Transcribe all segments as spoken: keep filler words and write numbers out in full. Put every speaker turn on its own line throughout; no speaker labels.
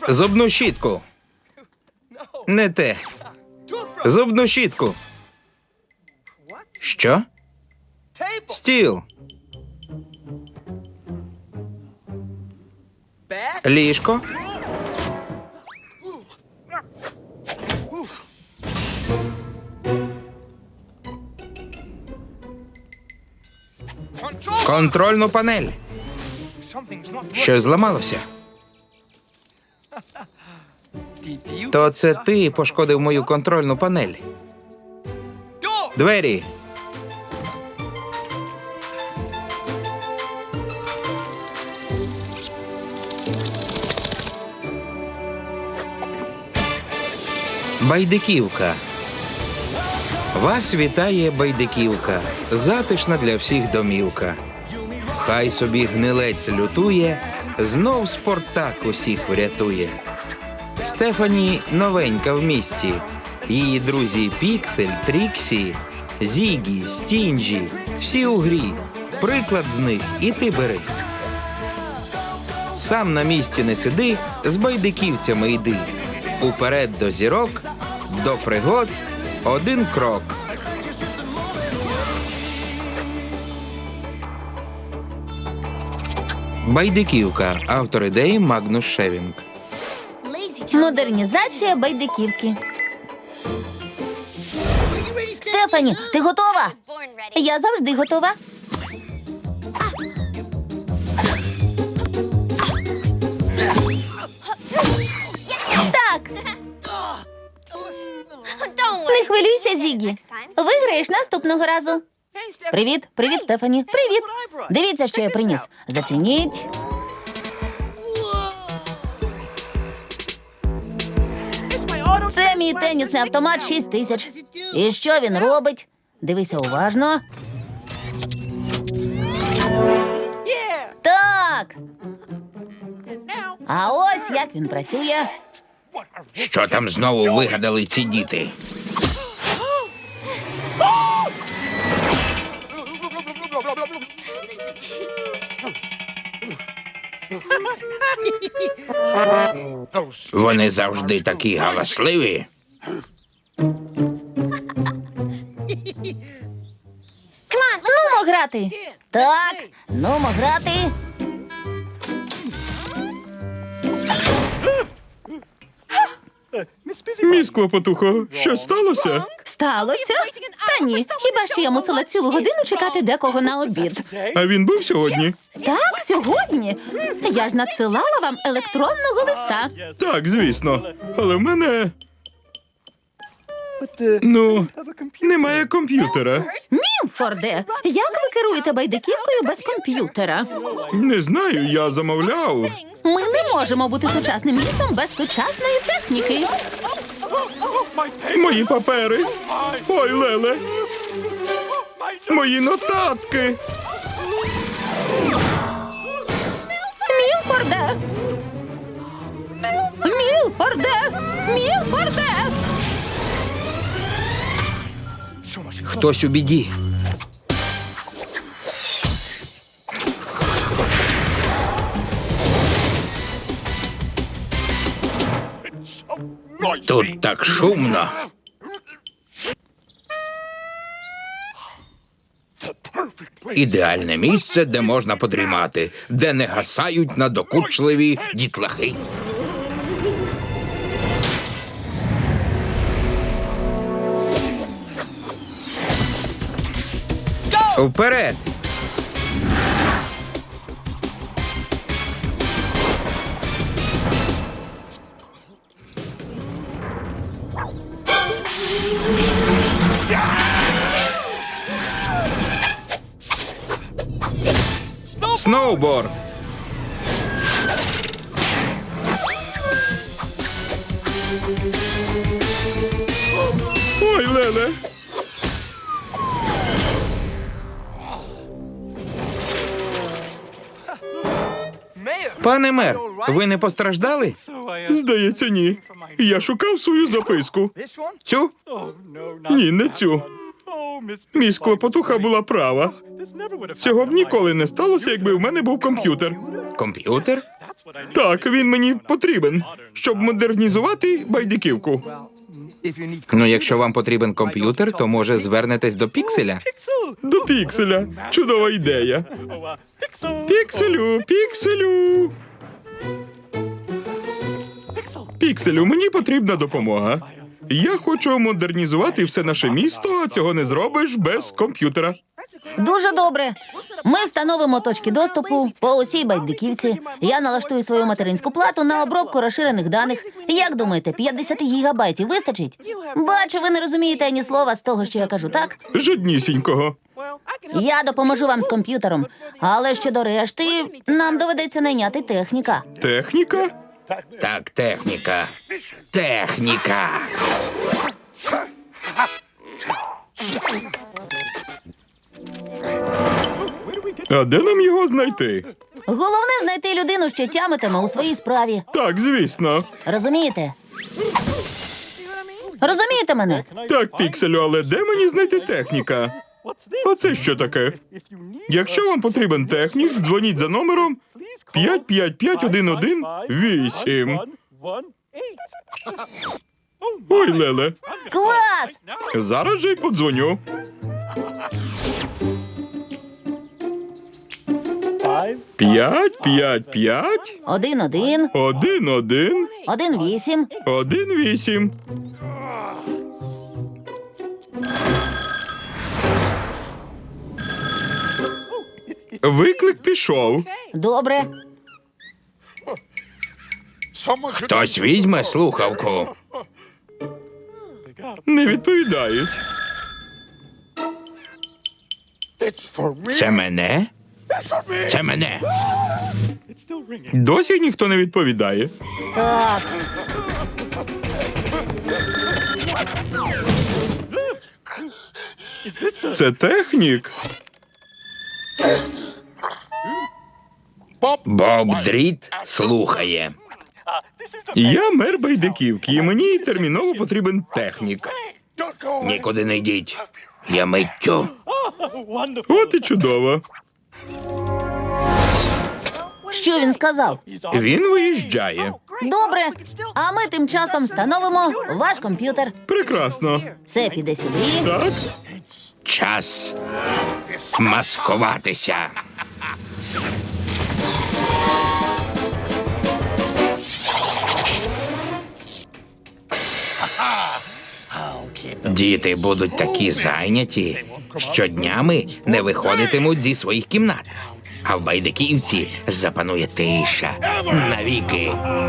Зубну щітку. Не те. Зубну щітку. Що? Стіл. Ліжко. Контрольну панель. Щось зламалося. То це ти пошкодив мою контрольну панель. Двері. Байдиківка. Вас вітає Байдиківка. Затишна для всіх домівка. Хай собі гнилець лютує, знов Спартак усіх врятує. Стефані новенька в місті. Її друзі Піксель, Тріксі, Зігі, Стінджі. Всі у грі. Приклад з них і ти бери. Сам на місці не сиди, з байдиківцями йди. Уперед до зірок, до пригод один крок. Байдиківка. Автор ідеї Магнус Шевінг.
Модернізація байдиківки. Стефані, ти готова? Я завжди готова. Так. Не хвилюйся, Зігі. Виграєш наступного разу. Привіт, привіт, Стефані. Привіт. Дивіться, що я приніс. Зацініть. Це мій тенісний автомат шість тисяч. І що він робить? Дивися уважно. Так. А ось як він працює.
Що там знову вигадали ці діти? Вони завжди такі галасливі.
Нумо грати. Так, нумо грати.
Міс Клопотухо, що сталося?
Сталося? Та ні, хіба що я мусила цілу годину чекати декого на обід.
А він був сьогодні?
Так, сьогодні. Я ж надсилала вам електронного листа.
Так, звісно. Але в мене... Ну, немає комп'ютера.
Мілфорде, як ви керуєте байдиківкою без комп'ютера?
Не знаю, я замовляв.
Ми не можемо бути сучасним містом без сучасної техніки.
Мої папери. Ой, Леле. Мої нотатки.
Мілфорде! Мілфорде! Мілфорде!
Хтось у біді. Тут так шумно. Ідеальне місце, де можна подрімати, де не гасають надокучливі дітлахи. Вперед! Сноуборд!
Ой, Леле.
Пане мер, ви не постраждали?
Здається, ні. Я шукав свою записку.
Цю?
Ні, не цю. Міс Клопотуха була права. Цього б ніколи не сталося, якби в мене був комп'ютер.
Комп'ютер?
Так, він мені потрібен, щоб модернізувати байдиківку.
Ну, якщо вам потрібен комп'ютер, то може звернетесь до Пікселя.
До пікселя. Чудова ідея. Пікселю, пікселю. Пікселю, мені потрібна допомога. Я хочу модернізувати все наше місто, а цього не зробиш без комп'ютера.
Дуже добре. Ми встановимо точки доступу по усій байдиківці. Я налаштую свою материнську плату на обробку розширених даних. Як думаєте, п'ятдесят гігабайтів вистачить? Бачу, ви не розумієте ані слова з того, що я кажу, так?
Жоднісінького.
Я допоможу вам з комп'ютером. Але щодо решти, нам доведеться найняти техніка.
Техніка?
Так, техніка. Техніка.
А де нам його знайти?
Головне знайти людину, що тямитиме у своїй справі.
Так, звісно.
Розумієте? Розумієте мене?
Так, Пікселю, але де мені знайти техніка? А це що таке? Якщо вам потрібен технік, дзвоніть за номером п'ять п'ять п'ять один один вісім. Ой, Леле,
Клас!
зараз же й подзвоню. П'ять, п'ять, п'ять,
Один один,
один, один,
один вісім.
один, вісім. Виклик пішов.
Добре.
Хтось візьме слухавку.
Не відповідають.
Це мене? Це мене.
Досі ніхто не відповідає.
Так.
Це технік.
Боб Дріт слухає.
Я мер Байдиківки, і мені терміново потрібен технік.
Нікуди не йдіть. Я миттю.
От і чудово.
Що він сказав?
Він виїжджає.
Добре. А ми тим часом встановимо ваш комп'ютер.
Прекрасно.
Це піде сюди.
Так?
Час маскуватися. Діти будуть такі зайняті, що днями не виходитимуть зі своїх кімнат. А в Байдиківці запанує тиша навіки.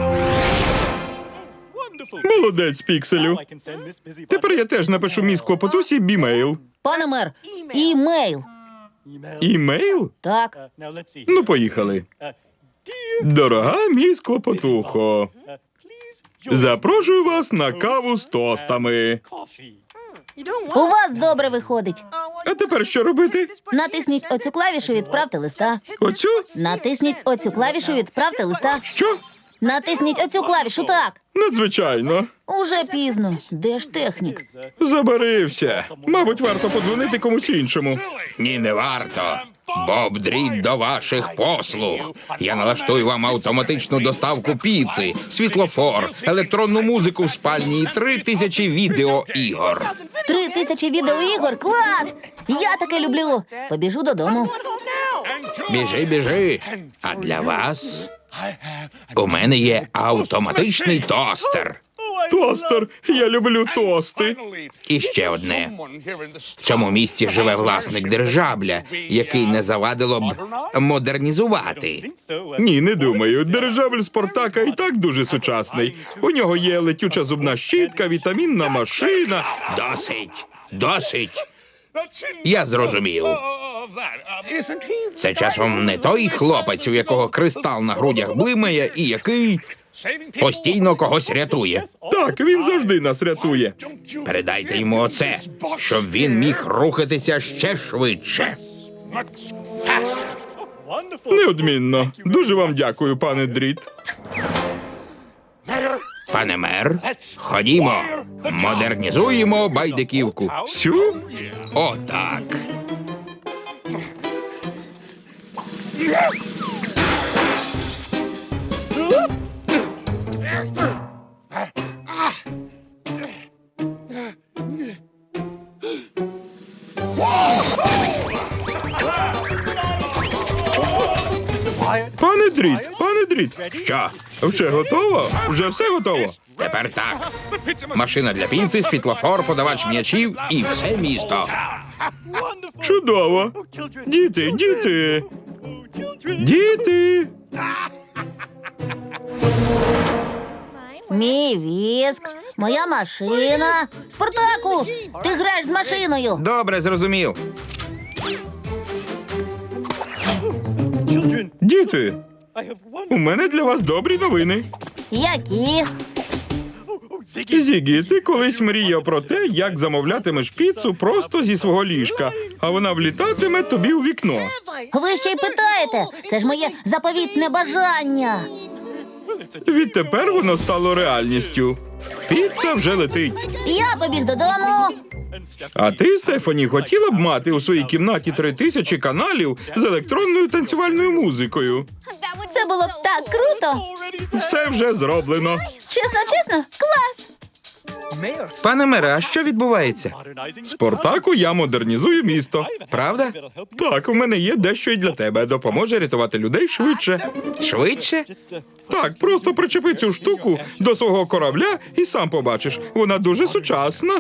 Молодець, Пікселю. Тепер я теж напишу міс Клопотусі бімейл.
Пане мер, імейл.
Імейл?
Так.
Ну, поїхали. Дорога міс Клопотухо, запрошую вас на каву з тостами.
У вас добре виходить.
А тепер що робити?
Натисніть оцю клавішу «Відправте листа».
Оцю?
Натисніть оцю клавішу «Відправте листа».
Що?
Натисніть оцю клавішу, так.
Надзвичайно.
Уже пізно. Де ж технік?
Забарився. Мабуть, варто подзвонити комусь іншому.
Ні, не варто. Боб Дріт до ваших послуг. Я налаштую вам автоматичну доставку піци, світлофор, електронну музику в спальні і три тисячі відеоігор.
Три тисячі відеоігор? Клас! Я таке люблю. Побіжу додому.
Біжи, біжи. А для вас у мене є автоматичний тостер.
Тостер. Я люблю тости.
І ще одне. В цьому місті живе власник дирижабля, який не завадило б модернізувати.
Ні, не думаю. Дирижабль Спартака і так дуже сучасний. У нього є летюча зубна щітка, вітамінна машина.
Досить, досить. Я зрозумів. Це часом не той хлопець, у якого кристал на грудях блимає і який постійно когось рятує.
Так, він завжди нас рятує.
Передайте йому оце, щоб він міг рухатися ще швидше.
Неодмінно. Дуже вам дякую, пане Дріт.
Пане мер, ходімо, модернізуємо Байдиківку.
Сю?
Отак.
Пане Дріт, пане Дріт. Що? Вже готово? Вже все готово?
Тепер так. Машина для піци, світлофор, подавач м'ячів і все місто.
Чудово. Діти, діти. Діти.
Мій віск, моя машина. Спартаку, ти граєш з машиною.
Добре, зрозумів.
Діти. У мене для вас добрі новини.
Які?
Зігі, ти колись мріяв про те, як замовлятимеш піцу просто зі свого ліжка, а вона влітатиме тобі у вікно.
Ви ще й питаєте? Це ж моє заповітне бажання.
Відтепер воно стало реальністю. Піца вже летить.
Я побіг додому.
А ти, Стефані, хотіла б мати у своїй кімнаті три тисячі каналів з електронною танцювальною музикою?
Це було б так круто.
Все вже зроблено.
Чесно, чесно, клас.
Пане мере, а що відбувається?
Спартаку, я модернізую місто.
Правда?
Так, у мене є дещо й для тебе. Допоможе рятувати людей швидше.
Швидше?
Так, просто причепи цю штуку до свого корабля і сам побачиш. Вона дуже сучасна.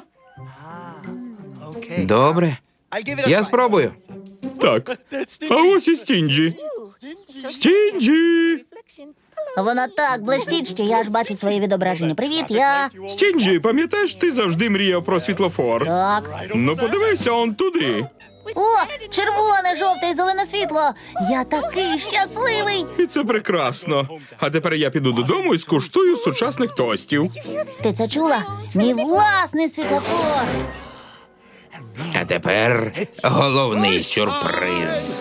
Добре. Я спробую.
Так. А ось і Стінджі. Стінджі!
Вона так блищить, що я аж бачу своє відображення. Привіт, я.
Стінджі, пам'ятаєш, ти завжди мріяв про світлофор?
Так.
Ну подивися он туди.
О, червоне, жовте і зелене світло. Я такий щасливий.
І це прекрасно. А тепер я піду додому і скуштую сучасних тостів.
Ти це чула? Мій власний світлофор.
А тепер головний сюрприз.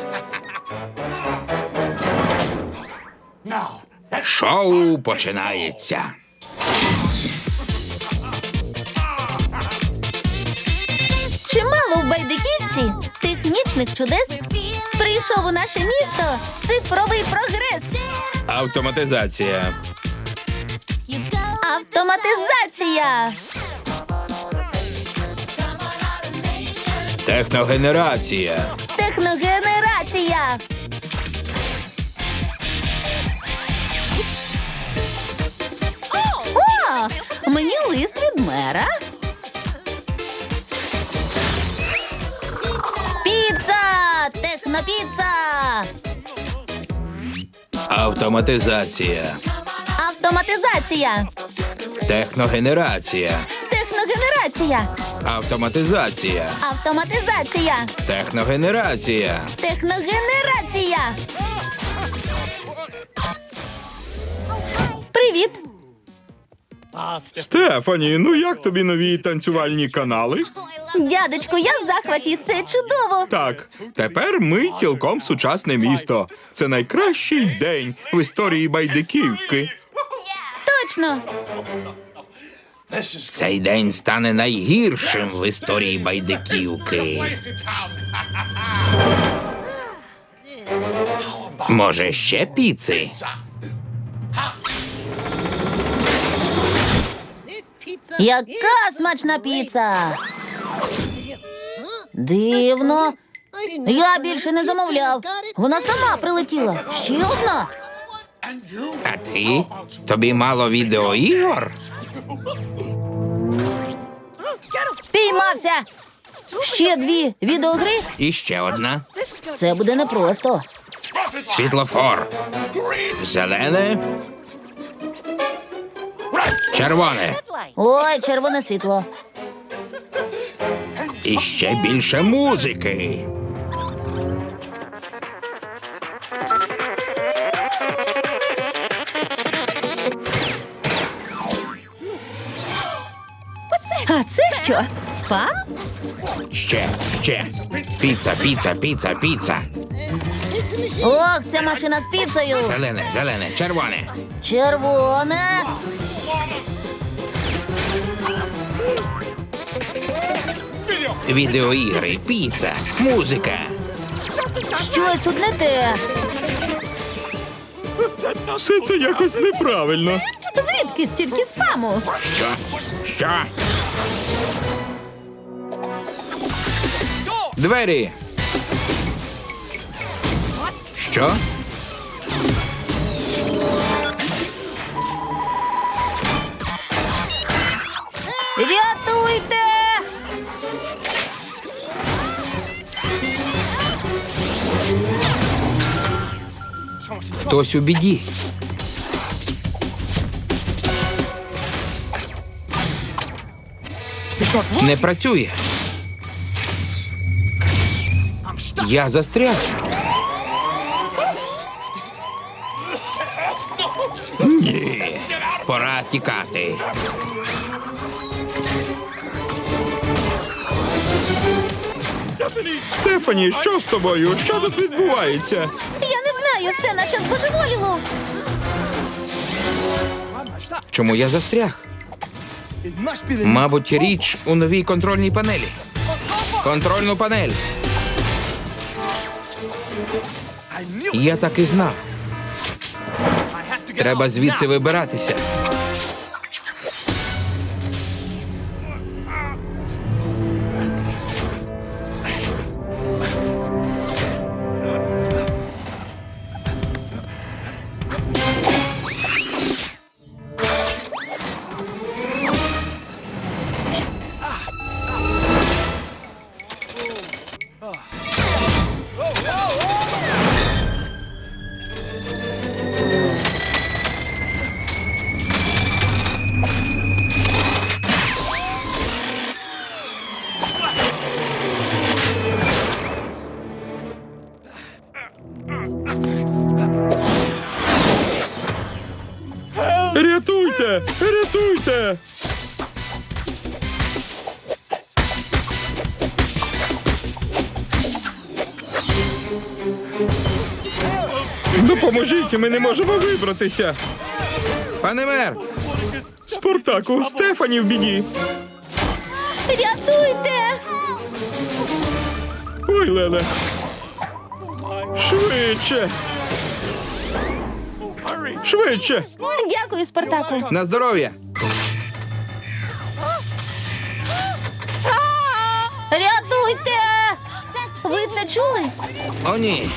Шоу починається.
Чимало в Байдиківці технічних чудес. Прийшов у наше місто цифровий прогрес.
Автоматизація.
Автоматизація.
Техногенерація.
Техногенерація.
О, мені лист від мера.
Піца! Технопіца!
Автоматизація.
Автоматизація.
Техногенерація.
Техногенерація.
Автоматизація.
Автоматизація.
Техногенерація.
Техногенерація. Привіт.
Стефані, ну як тобі нові танцювальні канали?
Дядечку, я в захваті. Це чудово.
Так, тепер ми цілком сучасне місто. Це найкращий день в історії Байдиківки.
Точно.
Цей день стане найгіршим в історії Байдиківки. Може, ще піци?
Яка смачна піца. Дивно. Я більше не замовляв. Вона сама прилетіла. Ще одна.
А ти? Тобі мало відеоігор?
Піймався. Ще дві відеогри.
І ще одна.
Це буде непросто.
Світлофор. Зелене. Червоне.
Ой, червоне світло.
І ще більше музики.
А це що? Спам?
Ще, ще. Піца, піца, піца, піца.
Ох, ця машина з піцею.
Зелене, зелене, червоне.
Червоне.
Відеоігри, піца, музика.
Щось тут не те.
Все це якось неправильно.
Звідки стільки спаму?
Що? Що? Двері. Що? Хтось у біді. Не працює. Я застряг. Ні, пора тікати.
Стефані, що з тобою? Що тут відбувається?
Я не знаю, все наче збожеволіло.
Чому я застряг? Мабуть, річ у новій контрольній панелі. Контрольну панель. Я так і знав. Треба звідси вибиратися.
Рятуйте! Рятуйте! Допоможіть, ми не можемо вибратися.
Пане мер,
Спартаку, Стефані в біді.
Рятуйте!
Ой, Леле. Швидше. Швидше.
Дякую, Спартаку.
на здоров'я.
Рятуйте! Ви це чули?
О, ні.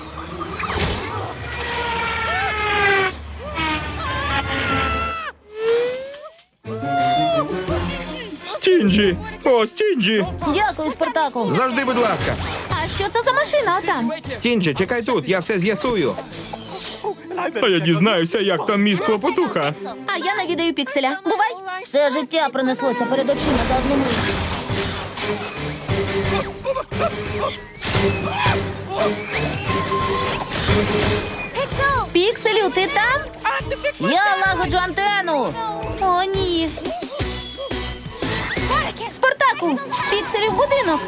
Стінджі. О, Стінджі.
Дякую, Спартаку.
Завжди, будь ласка.
А що це за машина отам?
Стінджі, чекай тут, я все з'ясую.
А я дізнаюся, як там мій Клопотуха.
А я навідаю пікселя. Бувай! Все життя пронеслося перед очима за одну мить. Пікселю, ти там? Я лагоджу антенну. О, ні. Спартаку, пікселів будинок.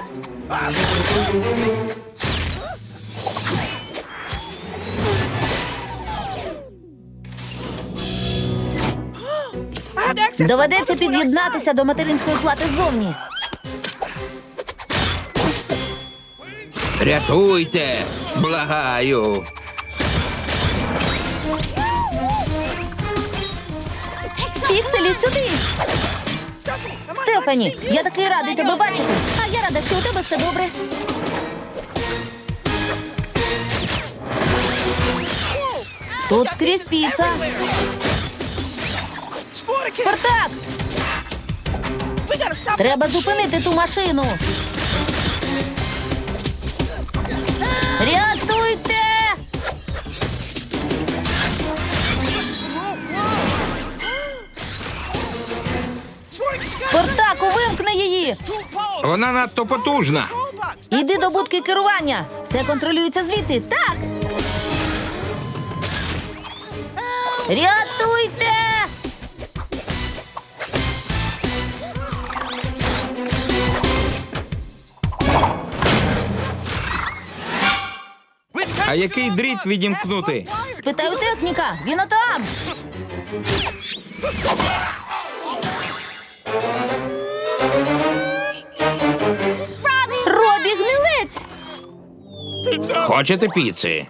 Доведеться під'єднатися до материнської плати ззовні.
Рятуйте! Благаю!
Пікселі, сюди. Стефані, я такий радий тебе бачити. А я рада, що у тебе все добре. Тут скрізь піца. Спартак! Треба зупинити ту машину. Рятуйте! Спартаку, вимкни її!
Вона надто потужна.
Іди до будки керування. Все контролюється звідти. Так! Рятуйте!
А який дріт відімкнути?
Спитаю техніка. Він отам. Робі, гнилець!
Хочете піци?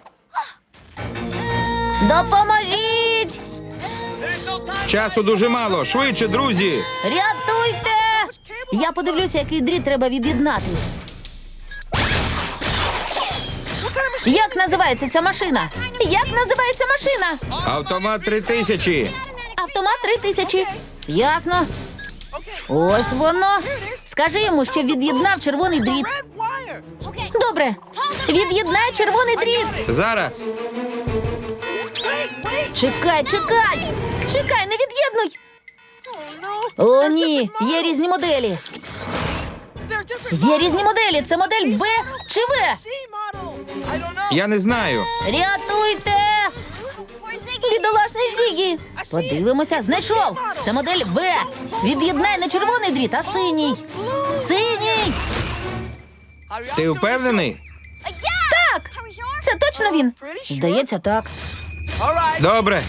Допоможіть!
Часу дуже мало. Швидше, друзі.
Рятуйте! Я подивлюся, який дріт треба від'єднати. Як називається ця машина? Як називається машина?
Автомат три тисячі.
Автомат три тисячі. Ясно. Ось воно. Скажи йому, що від'єднав червоний дріт. Добре. Від'єднай червоний дріт.
Зараз.
Чекай, чекай! Чекай, не від'єднуй! О, ні, є різні моделі. Є різні моделі. Це модель Б чи В?
Я не знаю.
Рятуйте! Бідолашний Зігі! Подивимося, знайшов! Це модель Б. Від'єднай не червоний дріт, а синій. Синій!
Ти впевнений?
Так! Це точно він? Здається, так.
Добре.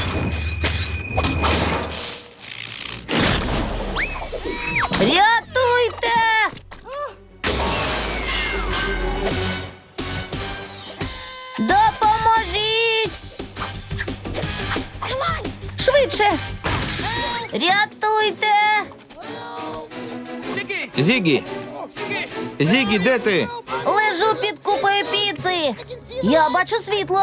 Рятуйте! Допоможіть! Швидше! Рятуйте!
Зігі. Зігі, де ти?
Лежу під купою піци! Я бачу світло!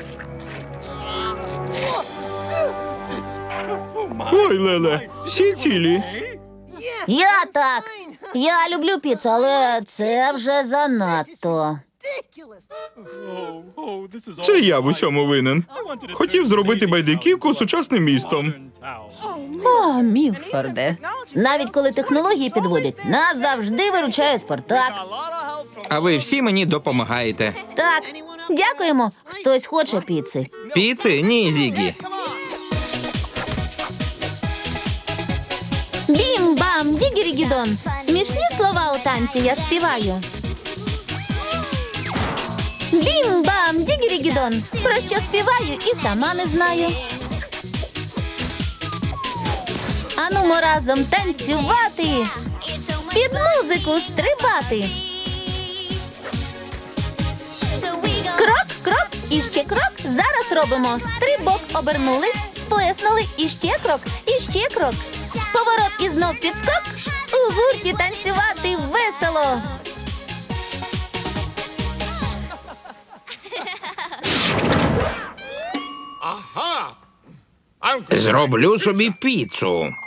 Ой, Леле, всі цілі.
Я так! Я люблю піцу, але це вже занадто.
Це я в усьому винен. Хотів зробити байдиківку сучасним містом.
О, Мілфорде.
Навіть коли технології підводять, нас завжди виручає Спартак.
А ви всі мені допомагаєте.
Так, дякуємо. Хтось хоче піци.
Піци? Ні, Зігі.
Бім-бам, дігірігідон. Смішні слова у танці я співаю. Бім-бам, дігірігідон. Про що співаю і сама не знаю. Анумо разом танцювати, під музику стрибати. Крок, крок і ще крок. Зараз робимо стрибок, обернулись, сплеснули, і ще крок, і ще крок. Поворот і знов підскок. У гурті танцювати весело.
Зроблю собі піцу.